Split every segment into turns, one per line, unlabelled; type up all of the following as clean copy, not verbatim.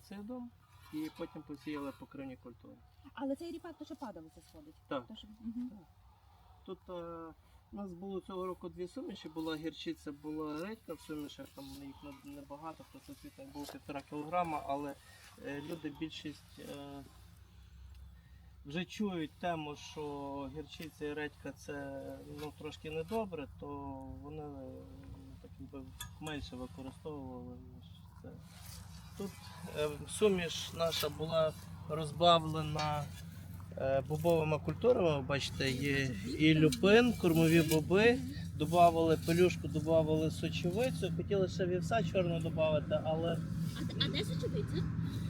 гербіцидом і потім посіяли покривні культури.
Але цей ріпак то що падалося сходить?
Так.
То, що... Угу.
Тут у нас було цього року дві суміші, була гірчиця, була редька в сумішах, там їх небагато, просвітник був 1,5 кг, але люди більшість вже чують тему, що гірчиця і редька це трошки недобре, то вони так якби менше використовували, ніж це. Тут суміш наша була розбавлена бобовими культурами, бачите, є і люпин, кормові боби, додавали пелюшку, додавали сочевицю, хотіли ще вівса чорного додати, але...
А де сочевиця?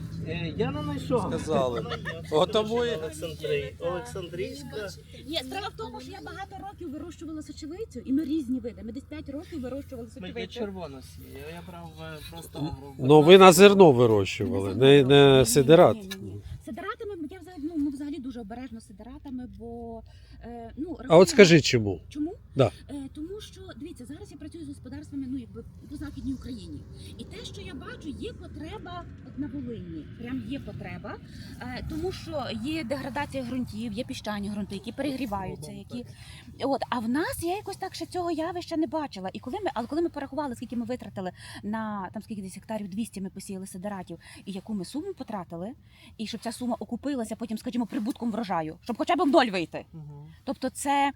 Я не знайшов.
Сказали. Тому і...
Олександрійська.
Ні, справа в тому, що я багато років вирощувала сочевицю, і ми різні види. Ми десь 5 років вирощували
Ми
сочевицю.
червоно сіє, я брав просто...
Ну ви на зерно вирощували, не сидират.
Ні. Сидиратами я взагалі дуже обережно з сидиратами, бо...
А от скажи чому?
Чому?
Да.
Тому що, дивіться, зараз я працюю з господарствами по Західній Україні. І те, що я бачу, є потреба от на Волині. Прям є потреба, тому що є деградація ґрунтів, є піщані ґрунти, які перегріваються. А в нас я якось так ще цього явища не бачила. І коли ми порахували, скільки ми витратили на там скільки десь гектарів 200 ми посіяли сидиратів, і яку ми суму потратили, і щоб ця сума окупилася потім, скажімо, прибутком врожаю, щоб хоча б в ноль вийти. Тобто це,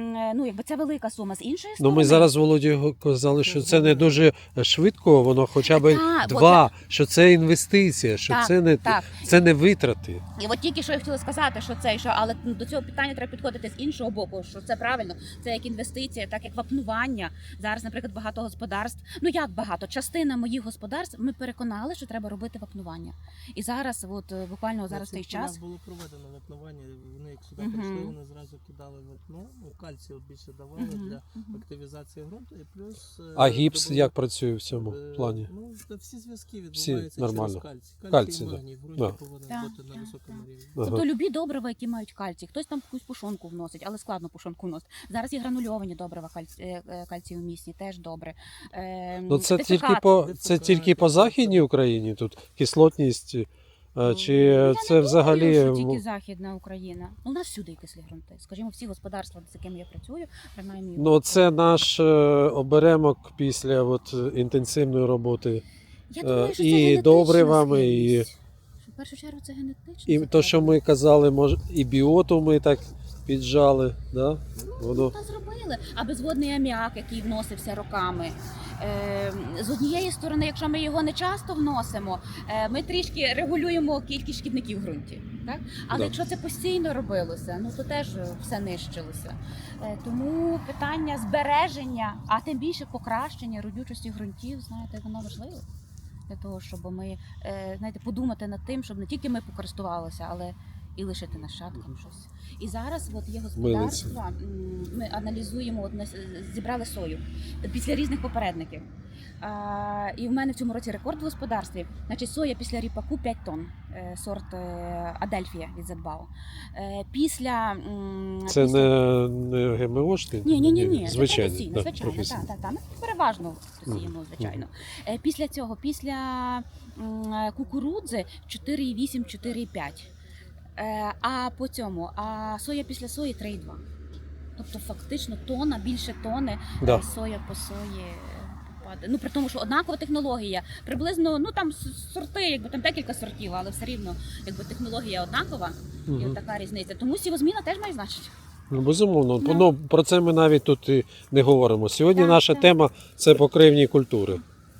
це велика сума. З іншої сторони...
Ми зараз Володі казали, що це не дуже швидко, воно хоча б що це інвестиція, що це не витрати.
І от тільки що я хотіла сказати, але до цього питання треба підходити з іншого боку, що це правильно, це як інвестиція, так як вапнування. Зараз, наприклад, багато господарств, частина моїх господарств, ми переконали, що треба робити вапнування. І зараз, буквально зараз той час...
У нас було проведено вапнування, вони як сюди прийшли, вони зразу кидали вапно, кальцію більше давали для активізації ґрунту і плюс...
А гіпс як працює в цьому плані?
Всі зв'язки відбуваються
нормально.
Через кальцій.
Кальцій,
і магній в ґрунті повинен бути на високому рівні.
Тобто любі добрива, які мають кальцій. Хтось там якусь пушонку вносить, але складно пушонку вносить. Зараз є гранульовані добрива кальцієвмісні, теж добре.
Це тільки по Західній Україні тут кислотність, чи це взагалі...
Я не тільки Західна Україна. У нас всюди кислі ґрунти. Скажімо, всі господарства, з якими я працюю, принаймні...
Це наш оберемок після інтенсивної роботи.
Я думаю, що
і добривами, і
в першу чергу це генетично.
І те, що ми казали, і біоту ми так піджали, да?
Та зробили. А безводний аміак, який вносився роками. З однієї сторони, якщо ми його не часто вносимо, ми трішки регулюємо кількість шкідників в ґрунті. Так? Але якщо це постійно робилося, то теж все нищилося. Тому питання збереження, а тим більше покращення родючості ґрунтів, воно важливо. Для того, щоб ми подумати над тим, щоб не тільки ми покористувалися, але і лишити нащадкам щось. І зараз є господарства, ми аналізуємо, зібрали сою після різних попередників. І в мене в цьому році рекорд в господарстві. Соя після ріпаку 5 тонн, сорт Адельфія від Зетбау.
Це не ГМОшний?
Ні,
звичайно.
Це професійно. Ми переважно сіємо, звичайно. Після цього, після кукурудзи 4,8-4,5. А соя після сої 3,2. Тобто фактично більше тони соя по сої попаде. При тому, що однакова технологія. Приблизно, там сорти, там декілька сортів, але все рівно технологія однакова. І така різниця. Тому сівозміна теж має значення.
Безумовно. Про це ми навіть тут і не говоримо. Сьогодні наша тема – це покривні культури.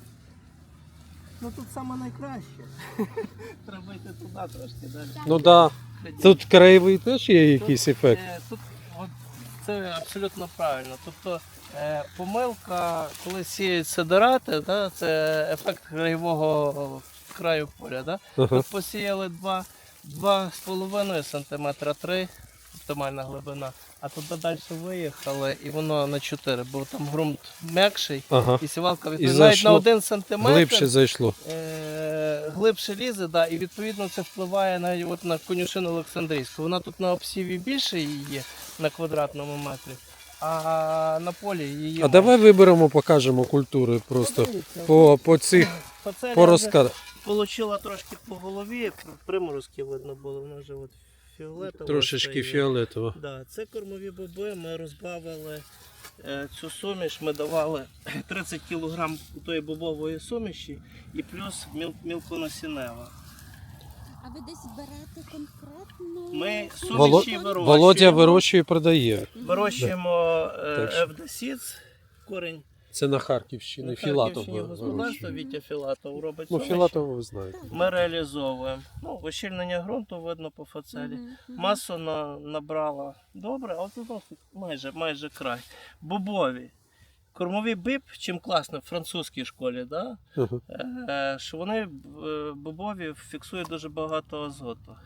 Тут саме найкраще. Треба йти туди трошки далі.
Тут краєвий теж є якийсь ефект?
Це абсолютно правильно. Тобто помилка, коли сіють сидирати, це ефект краєвого краю поля. Ми посіяли 2,5 см, 3 оптимальна глибина. А туди далі виїхали і воно на 4, бо там ґрунт м'якший, і сівалка навіть на 1 см
глибше зайшло.
Глибше лізе, і відповідно це впливає навіть на конюшину Олександрійську. Вона тут на обсіві більше її є на квадратному метрі, а на полі її...
Давай виберемо, покажемо культури просто по цих, по розкладах.
Получила трошки по голові, приморозки видно було, вона вже от фіолетова.
Трошечки
стає.
фіолетово.
Да, це кормові боби, ми розбавили цю суміш, ми давали 30 кг тої бобової суміші і плюс мілконасінева.
А ви десь берете конкретно?
Ми
Воло-
суміші вирощуємо.
Володя вирощує і продає.
Вирощуємо
Так що-
Евдосіц, корінь
Це на Харківщині.
на
Філатов
Харківщині господарство,
вирощує.
Вітя Філатов робить
Ну,
суміші.
Філатова ви знаєте.
Ми реалізовуємо. Ну, ощільнення ґрунту видно по фацелі. Масу набрала добре, а от знову майже край. Бобові. Кормовий биб, чим класно в французькій школі, да?
Ага.
Що вони бобові фіксують дуже багато азоту.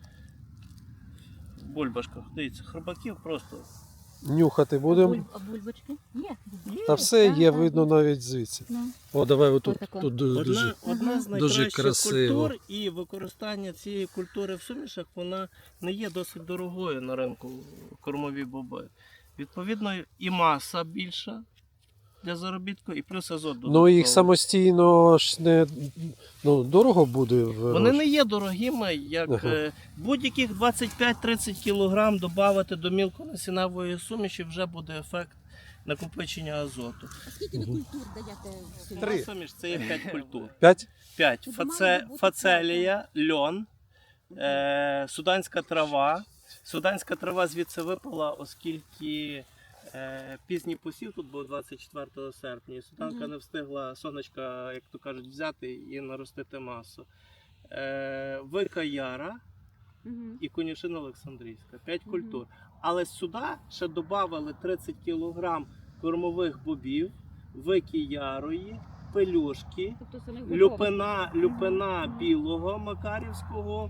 В бульбашках. Дивіться, хробаків просто.
Нюхати будемо.
А бульбочки? Є.
Та все
так,
є,
так.
видно навіть звідси.
Ну.
О, давай отут.
Отако.
Тут дуже.
Одна з
Дуже
найкращих
красиво.
культур, і використання цієї культури в сумішах вона не є досить дорогою на ринку кормові боби. Відповідно, і маса більша для заробітку, і плюс азот
Ну
додатковий.
їх самостійно ж не дорого буде.
Вони не є дорогими, як
Ага.
будь-яких 25-30 кг додати до мілконасінавої суміші вже буде ефект накопичення азоту.
А скільки ви культур даєте в сумі?
Три.
Суміш це є 5 культур.
5?
5.
Тут має бути
Фацелія, льон, суданська трава. Суданська трава звідси випала, оскільки пізній посів тут був 24 серпня. І суданка не встигла сонечка, як то кажуть, взяти і наростити масу. Вика яра
Мгм.
і конюшина Олександрійська. 5 культур. Але сюди ще додали 30 кг кормових бобів, вики ярої, пелюшки,
Тобто самих бобових.
люпина білого макарівського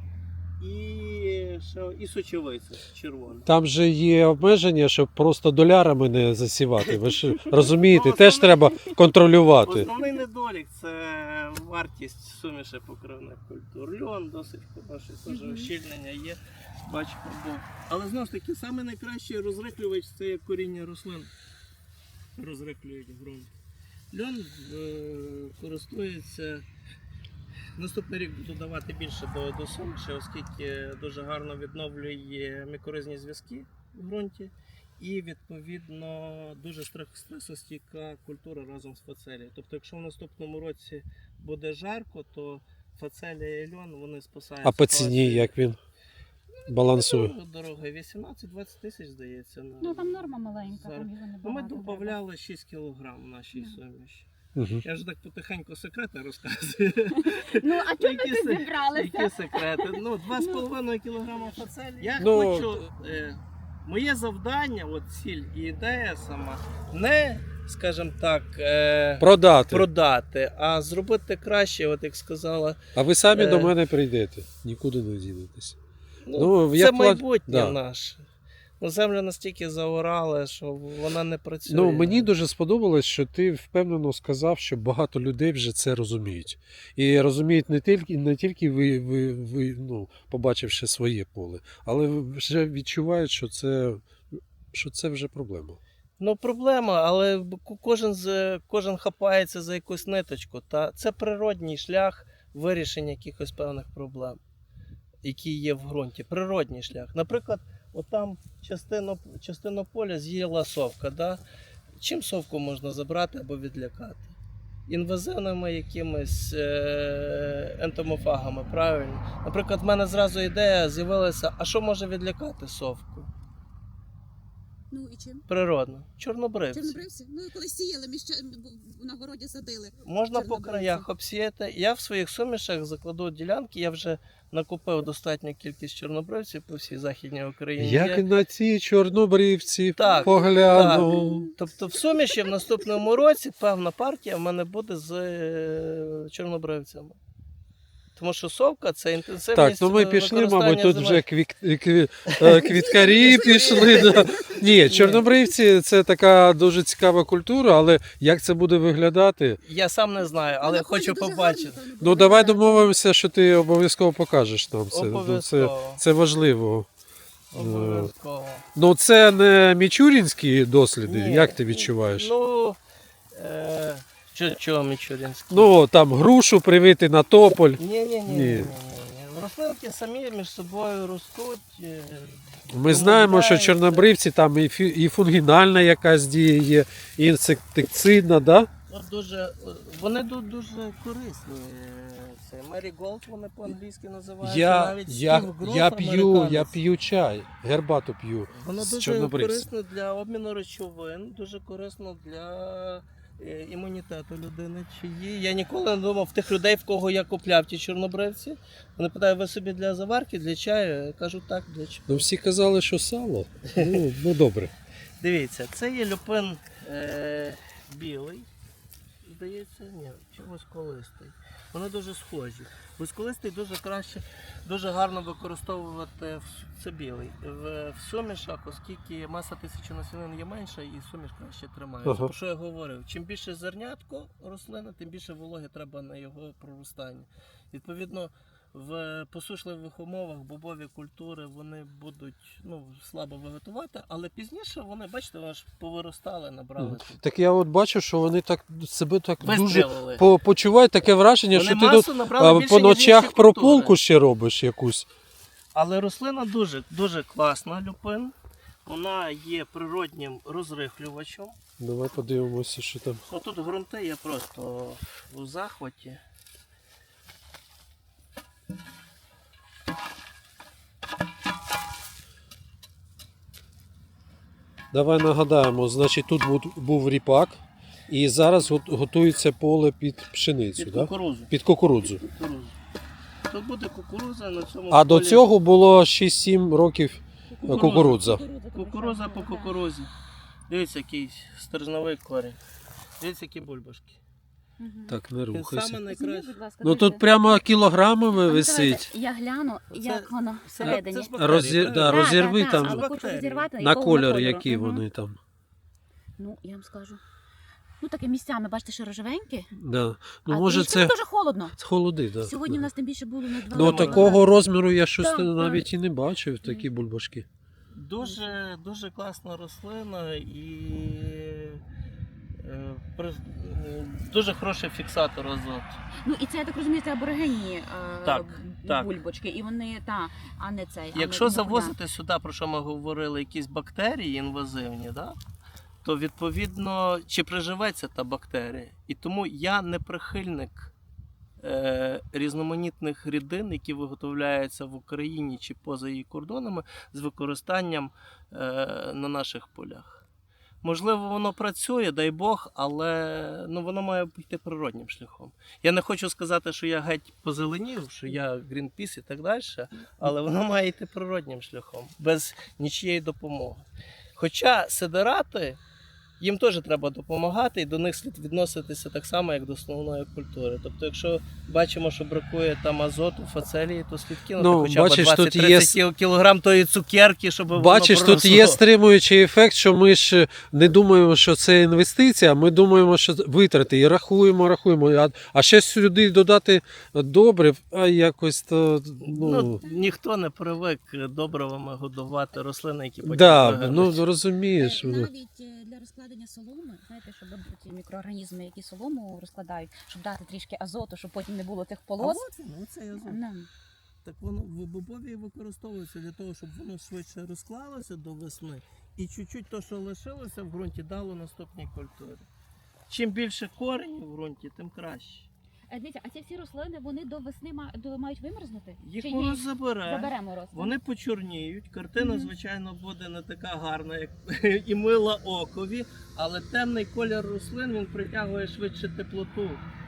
і сочевиця червона.
Там же є обмеження, щоб просто долярами не засівати. Ви ж розумієте,
Ну,
теж
основне-
треба контролювати.
Основний недолік це вартість суміші покривних культур. Льон досить хороший, теж ощільнення є. Бачимо, але знову ж таки, саме найкращий розриклювач це як коріння рослин. Розриклюють ґрунт. Льон користується. Наступний рік буду давати більше до суміші, оскільки дуже гарно відновлює мікоризні зв'язки в ґрунті. І відповідно дуже стресостійка культура разом з фацелією. Тобто, якщо в наступному році буде жарко, то фацелія і льон вони спасають.
А по ціні
ситуацію.
як він балансує?
Дорога 18-20 тисяч, здається.
Ну там норма маленька,
Зараз.
там його не
Ну, ми
багато треба.
додавали 6 кг в нашій суміші.
Угу.
Я вже так потихеньку секрети розказую.
Ну, а чому
Які
ви
се-
тут зібралися?
Які секрети? Ну, 2,5 кг фацелі. Я
Ну,
хочу. Моє завдання, от ціль і ідея сама, не, скажімо так, продати, а зробити краще, от як сказала.
А ви самі
Е.
до мене прийдете, нікуди не дінетесь.
Ну,
Ну,
це
я
майбутнє
да.
наше. Ну, землю настільки заорали, що вона не працює.
Ну, мені дуже сподобалось, що ти впевнено сказав, що багато людей вже це розуміють. І розуміють не тільки ви побачивши своє поле, але вже відчувають, що це вже проблема.
Ну, проблема, але кожен хапається за якусь ниточку. Та це природній шлях вирішення якихось певних проблем, які є в ґрунті. Природній шлях. Наприклад, отам частину поля з'їла совка. Да? Чим совку можна забрати або відлякати? Інвазивними якимись ентомофагами, правильно? Наприклад, в мене зразу ідея з'явилася, а що може відлякати совку?
Ну і чим?
Природно. Чорнобривці.
Чорнобривці? Ну, коли сіяли, на городі садили.
Можна по
Чорнобривці.
краях обсіяти. Я в своїх сумішах закладу ділянки, я вже накупив достатню кількість чорнобривців по всій Західній Україні.
Як
Є.
на ці чорнобривці
Так,
погляну.
Тобто в суміші в наступному році певна партія в мене буде з чорнобривцями. Тому що совка це інтенсивність.
Так, ну ми пішли,
використання
мабуть, тут
земель.
вже квіткарі пішли. Да. Ні, чорнобривці це така дуже цікава культура, але як це буде виглядати?
Я сам не знаю, але
Вона
хочу
ходить дуже
побачити.
гарно, напевно,
Ну
буде
давай
виглядати.
домовимося, що ти обов'язково покажеш нам це. Ну,
Обов'язково.
це важливо.
Обов'язково.
Ну це не мічурінські досліди,
Ні,
як ти відчуваєш?
Ну, Чого Мічурінський?
Ну, там грушу привити на тополь.
Ні. Рослинки самі між собою ростуть.
Ми знаємо, що
домовляються.
чорнобривці там і фунгінальна якась дія є, і інсектицидна, да?
От вони дуже корисні. Це Mary Gold вони по-англійськи називаються. Навіть Steve Groff,
я
американець.
п'ю чай, гербату п'ю
Воно
з
дуже
чорнобривців.
корисно для обміну речовин, дуже корисно для імунітету людини. Чиї. Я ніколи не думав тих людей, в кого я купляв ті чорнобривці. Вони питають, ви собі для заварки, для чаю? Я кажу, так, для чаю.
Ну, всі казали, що сало. Ну добре.
Дивіться, це є люпин білий, здається, ні, чи восколистий. Вони дуже схожі. Восколистий дуже гарно використовувати це білий. В сумішах, оскільки маса тисячі насінин є менша і суміш краще тримається.
Ага.
Про що я говорив? Чим більше зернятко рослини, тим більше вологи треба на його проростання. Відповідно, в посушливих умовах бобові культури вони будуть слабо вегетувати, але пізніше вони, бачите, вони ж повиростали, набрали. тут.
Так я от бачу, що вони так себе так дуже
Вистрілили.
почувають таке враження,
Вони
що ти
масу
тут
набрали більше,
по
ніж інші
ночах
культури.
прополку ще робиш якусь.
Але рослина дуже класна, люпин. Вона є природнім розрихлювачем.
Давай подивимося, що там.
Тут ґрунти є просто у захваті.
Давай нагадаємо, значить тут був ріпак, і зараз готується поле під пшеницю,
Під
да?
кукурудзу.
Під кукурудзу.
Кукурудзу. Тут буде кукурудза на цьому
А до
полі.
цього було 6-7 років кукурудза.
Кукурудза по кукурудзі. Дивіться, який стержневий корінь. Дивіться, які бульбашки.
Так, не
Він
рухайся.
саме найкращий.
Ну тут прямо кілограмами висить.
Я гляну, як воно всередині.
Це ж бактерії, правильно?
Розірви там
але хочу
бактерії.
розірвати.
на
якого
кольор,
кольору.
які
Мгм.
вони там.
Ну, я вам скажу. Ну, таке місцями, бачите, що рожевеньке.
Да. Ну,
А
може
трішки,
це
дуже холодно.
холоди, да.
Сьогодні в нас тим більше було на 2
Ну
Нормально.
такого розміру я щось
Так,
навіть і не бачив, такі бульбашки.
Дуже класна рослина і дуже хороший фіксатор азоту.
Ну, і це, я так розумію, це аборигенні
Так, так.
бульбочки. І вони, а не цей.
Якщо
а не
завозити сюди, про що ми говорили, якісь бактерії інвазивні, да? То відповідно чи приживеться та бактерія. І тому я не прихильник різноманітних рідин, які виготовляються в Україні чи поза її кордонами, з використанням на наших полях. Можливо, воно працює, дай Бог, але воно має йти природнім шляхом. Я не хочу сказати, що я геть позеленів, що я Greenpeace і так далі, але воно має йти природнім шляхом, без нічієї допомоги. Хоча сидерати, їм теж треба допомагати, і до них слід відноситися так само, як до основної культури. Тобто, якщо бачимо, що бракує там азоту, фацелії, то слід кинути хоча б
бачиш, тут
20-30 кілограм тої цукерки, щоб
Бачиш,
воно
тут
проросло.
є стримуючий ефект, що ми ж не думаємо, що це інвестиція, ми думаємо, що витрати і рахуємо. А ще сюди додати добрив, а якось то.
Ніхто не привик добривами годувати рослини, які потім
Да,
вигорнуть.
розумієш.
Навіть для розкладення соломи, знаєте, щоб ці мікроорганізми, які солому розкладають, щоб дати трішки азоту, щоб потім не було тих полос.
Цей азот.
Ну,
Так воно в бобові використовується для того, щоб воно швидше розклалося до весни, і чуть-чуть то, що лишилося в ґрунті, дало наступній культурі. Чим більше коренів в ґрунті, тим краще.
Дивіться, а ці всі рослини, вони до весни мають вимерзнути?
Їх
Чи
мороз забере,
заберемо рослин?
вони почорніють, картина,
Мгм.
звичайно, буде не така гарна, як і мила окові, але темний колір рослин, він притягує швидше теплоту.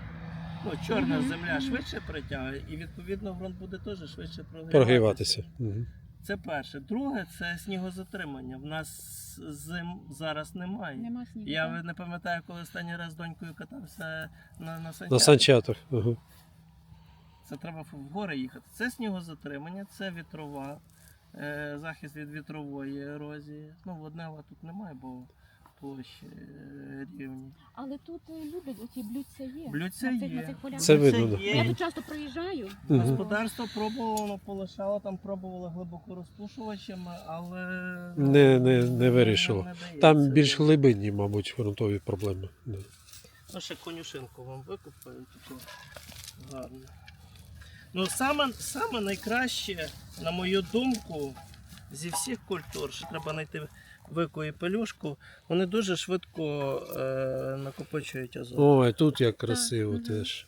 Чорна
Мгм,
земля
мгм.
швидше притягує, і відповідно ґрунт буде теж швидше
Прогріватися. Мгм.
Це перше. Друге, це снігозатримання. В нас зим зараз немає.
Нема снігу.
Я
так?
не пам'ятаю, коли останній раз з донькою катався на санчатах.
На санчатах. Ага.
Це треба в гори їхати. Це снігозатримання, це вітрова, захист від вітрової ерозії. Воднева тут немає, бо площі рівні.
Але тут люблять, оці блюдця є.
Блюдця
На цих-
є.
на цих полях.
Це
Блюдця
видно, да.
є.
Я тут часто проїжджаю.
Мгм.
Господарство пробувало, полишало, там пробувало глибоко розпушувачами, але
Не вирішило.
не дається.
Там більш глибинні, мабуть, ґрунтові проблеми. Да.
Ну, ще конюшинку вам викупаю, таку гарну. Ну, саме найкраще, на мою думку, зі всіх культур, що треба знайти вику і пелюшку, вони дуже швидко накопичують азот.
Ой, тут як красиво
мгм.
теж.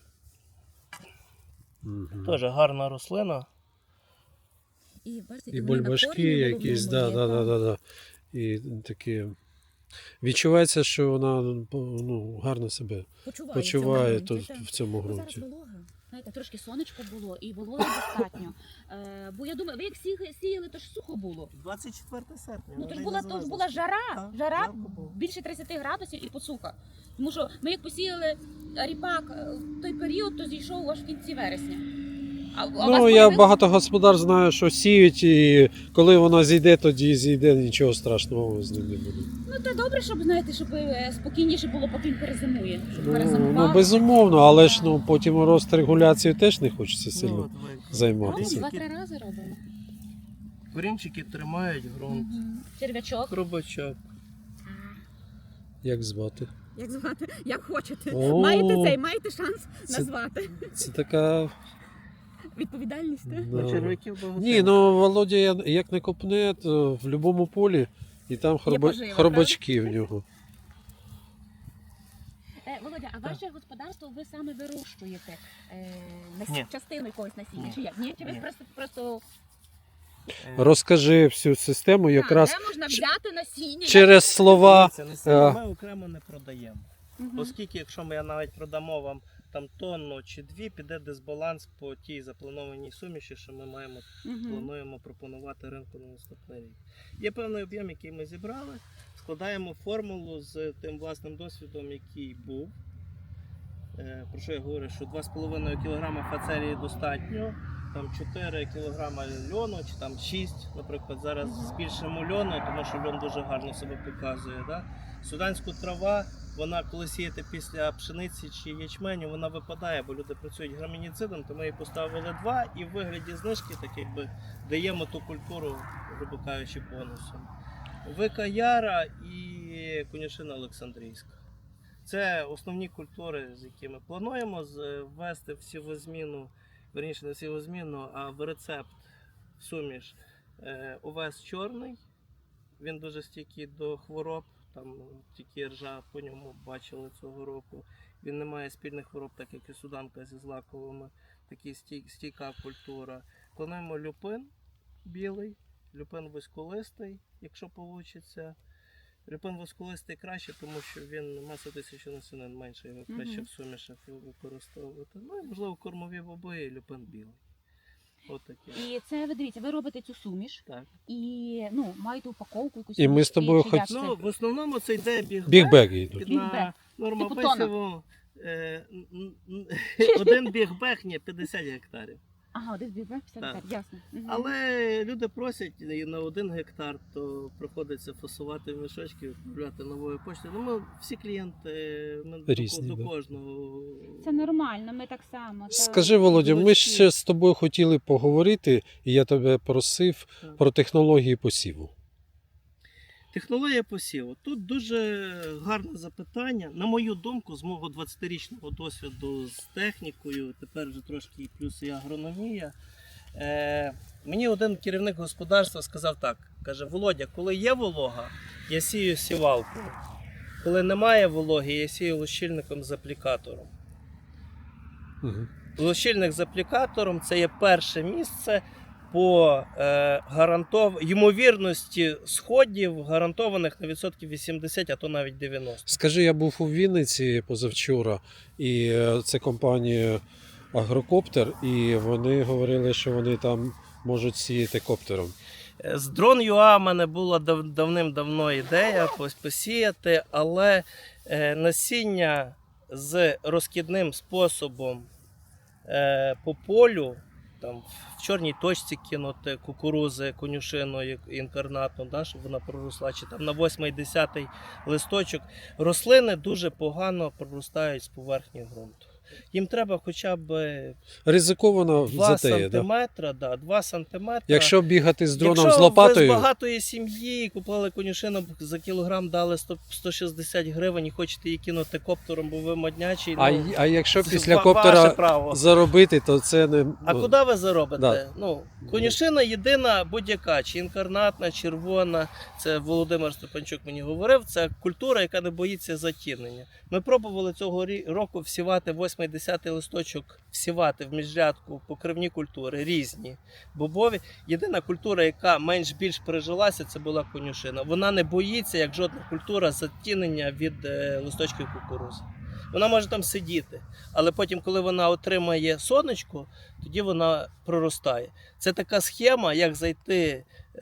Мгм.
Теж гарна рослина.
І, бачите,
І
вони на
бульбашки
корені
якісь,
головному є,
да. І такі. Відчувається, що вона гарно себе почуває тут в цьому
Зараз
ґрунті.
волога. Знаєте, трошки сонечко було і вологи достатньо. Бо я думаю, ви як сіяли, то ж сухо було.
24 серпня.
Ну то ж
вона
була,
й
жара,
Так,
жара
жарко було.
більше 30 градусів і посуха. Тому що ми як посіяли ріпак в той період, то зійшов аж в кінці вересня. А у вас
Ну, я
появилось-
багато господар знаю, що сіють, і коли вона зійде, тоді зійде, нічого страшного з ним не буде.
Ну то добре, щоб знаєте, щоб спокійніше було, поки він перезимує. Щоб
Ну,
перезимував.
безумовно, але ж потім рострегуляцію теж не хочеться
Ну,
сильно
от ви-
займатися.
Робимо, 2-3 рази робимо.
Корінчики тримають ґрунт.
Черв'ячок.
Хробачок.
Як звати?
Як звати? Як хочете.
О,
Маєте шанс
це-
назвати.
Це така.
Відповідальність.
Да.
Черв'яків багато.
Ні, Володя як не копне, то в будь-якому полі і там
пожива,
хробачки в нього.
Володя, а ваше господарство ви саме вирощуєте
Ні.
частину якогось насіння?
Ні.
Чи як? Ні? Чи ви
Ні.
просто
Розкажи всю систему якраз
де можна взяти насіння?
через слова.
Це насіння ми окремо не продаємо.
Мгм.
Оскільки, якщо ми навіть продамо вам там тонну чи дві, піде дисбаланс по тій запланованій суміші, що ми
Мгм.
плануємо пропонувати ринку на наступний рік. Є певний об'єм, який ми зібрали, складаємо формулу з тим власним досвідом, який був. Про що я говорю, що 2,5 кг фацелії достатньо, там 4 кг льону, чи там 6, наприклад, зараз збільшимо льону, тому що льон дуже гарно себе показує. Да? Суданську трава, вона коли сіяти після пшениці чи ячменю, вона випадає, бо люди працюють грамініцидом, то ми її поставили 2 і в вигляді знижки так якби даємо ту культуру, грубо кажучи, бонусом. Вика Яра і конюшина Олександрійська. Це основні культури, з якими плануємо ввести в сівозміну, верніше не в сівозміну, а в рецепт в суміш овес чорний. Він дуже стійкий до хвороб, там тільки ржа по ньому бачили цього року. Він не має спільних хвороб, так як і суданка зі злаковими, такий стійка культура. Плануємо люпин білий, люпин вузьколистий, якщо вийде. Люпин восколистий краще, тому що він маса тисячі насінин менше, його краще в сумішах використовувати. Ну і можливо кормові боби і люпин білий. Отаке.
І це ви дивіться, ви робите цю суміш
Так.
і маєте упаковку якусь.
І ми з тобою
чи як
хоч-
це?
Ну, в основному це йде
Бігбеги йдуть.
під
Бігбег.
на норма
Типу тонна.
посіву. Один бігбег, ні, 50 гектарів.
Ага, один бігбег, все
Так.
так, ясно. Мгм.
Але люди просять і на 1 гектар, то приходиться фасувати в мішочки, відправляти новою поштою. Ну, ми всі клієнти, ми
Різні,
до
да.
кожного.
Це нормально, ми так само. так.
Скажи, Володя, ми
Булочки.
ще з тобою хотіли поговорити, і я тебе просив
Так.
про технології посіву.
Технологія посіву. Тут дуже гарне запитання. На мою думку, з мого 20-річного досвіду з технікою, тепер вже трошки і плюс і агрономія. Мені один керівник господарства сказав так: каже, Володя, коли є волога, я сію сівалкою. Коли немає вологи, я сію лущильником з аплікатором.
Угу.
Лущильник з аплікатором це є перше місце по ймовірності сходів, гарантованих на відсотків 80, а то навіть 90.
Скажи, я був у Вінниці позавчора, і це компанія Агрокоптер, і вони говорили, що вони там можуть сіяти коптером.
З Drone.ua в мене була давним-давно ідея посіяти, але насіння з розкидним способом по полю, там в чорній точці кинути кукурузи, конюшину інкарнатну, да, щоб вона проросла, чи там на 8-10 листочок. Рослини дуже погано проростають з поверхні ґрунту. Їм треба хоча б
Ризиковано
2
затея, да?
сантиметра, 2 сантиметра.
Якщо бігати з дроном
Якщо
з лопатою,
ви з багатої сім'ї купили конюшину, за кілограм дали 160 гривень і хочете її кинути коптером, бо ви моднячий,
а якщо
це
після
ваше
коптера
право.
заробити, то це не...
А
ну,
куди ви заробите?
Да.
Ну, конюшина єдина будь-яка, чи інкарнатна, червона, це Володимир Степанчук мені говорив, це культура, яка не боїться затінення. Ми пробували цього року всівати 8-10 листочок, всівати в міжрядку покривні культури, різні, бобові. Єдина культура, яка менш-більш прижилася, це була конюшина. Вона не боїться, як жодна культура, затінення від листочків кукурузи. Вона може там сидіти, але потім, коли вона отримає сонечко, тоді вона проростає. Це така схема, як зайти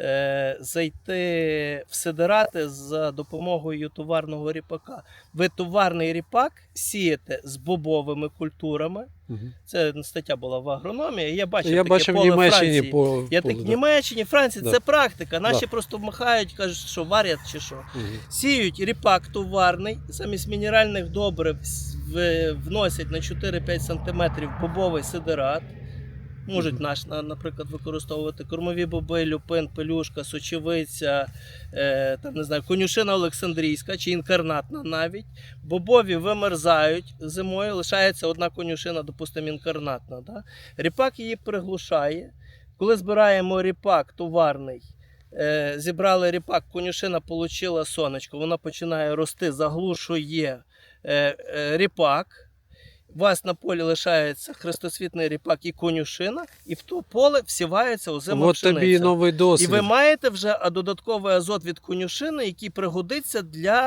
в сидирати за допомогою товарного ріпака. Ви товарний ріпак сієте з бобовими культурами.
Мгм.
Це стаття була в агрономії. Я бачив
Я
таке
бачив в
поле
Німеччині
Франції.
по
Я
полю,
так в
да.
Німеччині, Франції,
Да.
це практика. Наші
Да.
просто махають, кажуть, що варять чи що.
Мгм.
Сіють ріпак товарний, замість мінеральних добрив вносять на 4-5 см бобовий сидират. Можуть наприклад, використовувати кормові боби, люпин, пелюшка, сочевиця, там, не знаю, конюшина Олександрійська чи інкарнатна навіть. Бобові вимерзають зимою, лишається одна конюшина, допустимо, інкарнатна. Да? Ріпак її приглушає. Коли збираємо ріпак товарний, зібрали ріпак, конюшина отримала сонечко, вона починає рости, заглушує ріпак. У вас на полі лишається хрестоцвітний ріпак і конюшина, і в то поле всівається озима
От
пшениця.
тобі і новий
І
досвід.
ви маєте вже додатковий азот від конюшини, який пригодиться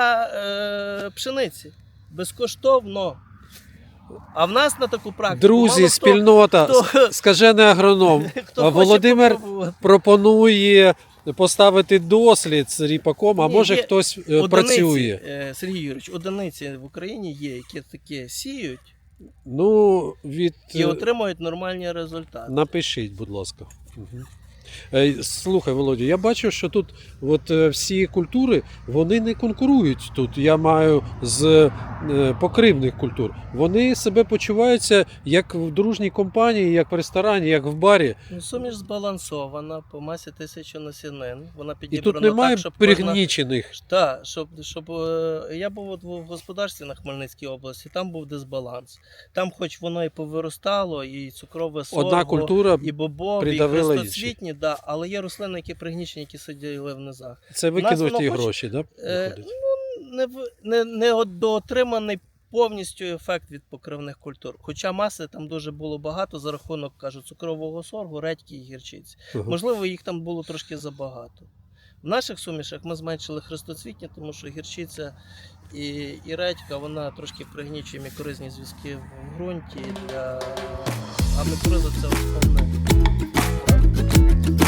для пшениці. Безкоштовно. А в нас на таку практику
Друзі,
мало
спільнота,
хто-
скажений агроном,
хто хоче
Володимир
попробувати.
пропонує поставити дослід з ріпаком, а
Ні,
може
є
хтось
Одиниці,
працює.
Сергій Юрійович, одиниці в Україні є, які таке сіють
Ну, від...
і отримують нормальні результати.
Напишіть, будь ласка. Угу. Слухай, Володя, я бачу, що тут всі культури, вони не конкурують тут. Я маю з покривних культур. Вони себе почуваються як в дружній компанії, як в ресторані, як в барі.
Ну, суміш збалансована по масі 1000 насінин. Вона
І
підібрана
тут немає
так, щоб кожна...
пригнічених.
Так, щоб я був от в господарстві на Хмельницькій області, там був дисбаланс. Там хоч воно і повиростало, і цукрове сорго,
Одна культура,
і бобові, і
придавила
хрестоцвітні, да, але є рослини, які пригнічені, які сиділи в низах.
це
нас
викинуті
воно хоч,
гроші, да? виходить?
Не доотриманий повністю ефект від покривних культур. Хоча маси там дуже було багато за рахунок, кажуть, цукрового соргу, редьки і гірчиці.
Ага.
Можливо, їх там було трошки забагато. В наших сумішах ми зменшили хрестоцвітні, тому що гірчиця і редька, вона трошки пригнічує мікоризні зв'язки в ґрунті. А мікориза – це основне.